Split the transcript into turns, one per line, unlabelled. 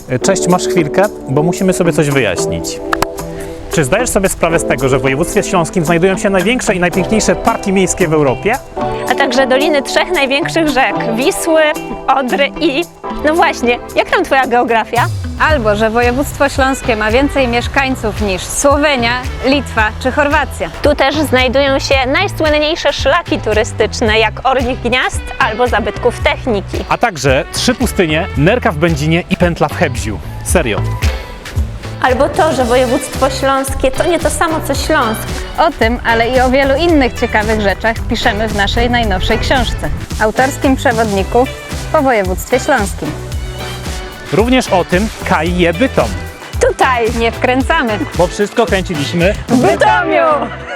Cześć, masz chwilkę? Bo musimy sobie coś wyjaśnić. Czy zdajesz sobie sprawę z tego, że w województwie śląskim znajdują się największe i najpiękniejsze parki miejskie w Europie?
A także doliny trzech największych rzek: Wisły, Odry i... No właśnie, jak tam twoja geografia?
Albo że województwo śląskie ma więcej mieszkańców niż Słowenia, Litwa czy Chorwacja.
Tu też znajdują się najsłynniejsze szlaki turystyczne, jak Orlich Gniazd albo zabytków techniki.
A także 3 pustynie, Nerka w Będzinie i Pętla w Hebziu. Serio.
Albo to, że województwo śląskie to nie to samo co Śląsk.
O tym, ale i o wielu innych ciekawych rzeczach piszemy w naszej najnowszej książce, autorskim przewodniku po województwie śląskim.
Również o tym Kaj je Bytom,
Tutaj
Nie wkręcamy
bo wszystko kręciliśmy
w Bytomiu!